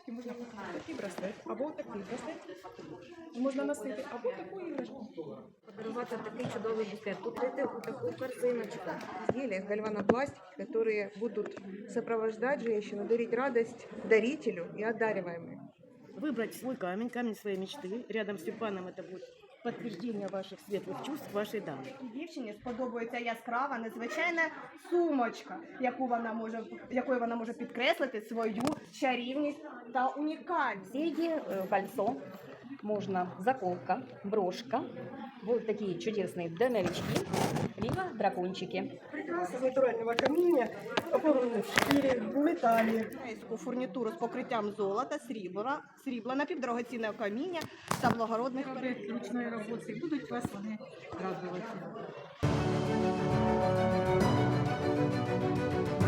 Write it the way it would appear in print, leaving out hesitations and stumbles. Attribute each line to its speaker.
Speaker 1: іграшки можна такий браслет, або такий браслет. Можна носити, або таку іграшку.
Speaker 2: Подарувати такий чудовий букет. Тут дайте таку корзиночку.
Speaker 3: Изделия из гальванопластики, которые будут сопровождать женщину, дарить радость дарителю и одариваемой.
Speaker 4: Выбрать свой камень, камень своей мечты. Рядом с тюльпаном это будет подтверждение ваших светлых чувств вашей дамы.
Speaker 5: Дівчині сподобається яскрава, незвичайна сумочка, якою вона може підкреслити свою чарівність та унікальність.
Speaker 2: Серьги, кольцо, можно заколка, брошка. Вот такие чудесные домовички, либо дракончики.
Speaker 1: Прикраси з натурального каміння, оформлені в шкірі, в металі.
Speaker 5: Європейську фурнітуру з покриттям золота, срібла, напівдорогоцінного каміння та благородних
Speaker 1: Ручної роботи будуть вас вони радувати.